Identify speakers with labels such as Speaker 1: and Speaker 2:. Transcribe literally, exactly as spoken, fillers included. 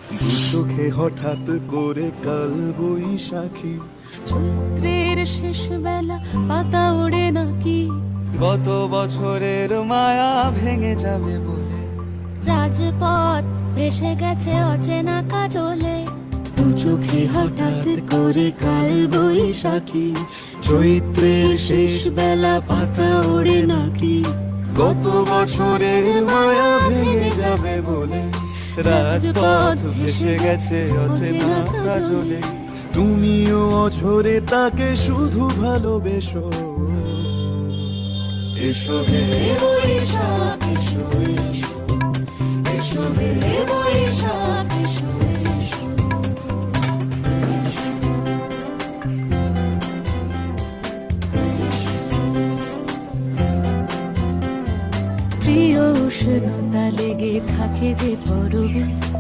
Speaker 1: দু চোখে হঠাৎ করে কাল বৈশাখী,
Speaker 2: চৈত্রের শেষ বেলা পাতা ওড়ে নাকি,
Speaker 1: গত বছরের মায়া ভেঙে যাবে বলে,
Speaker 2: রাজপথ ভেসে গেছে অচেনা কাজলে,
Speaker 1: দু চোখে হঠাৎ করে কাল বৈশাখী, চৈত্রের শেষ বেলা পাতা ওড়ে নাকি, গত বছরের মায়া ভেঙে যাবে বলে, রাজপথ ভেসে গেছে অচেনা কাজলে। তুমিও অঝরে তাকে শুধু ভালোবেসো, এসো হে বৈশাখ এসো এসো, এসো হে বৈশাখ এসো এসো।
Speaker 2: প্রিয় উষ্ণতা লেগে থাকে যে পরবে,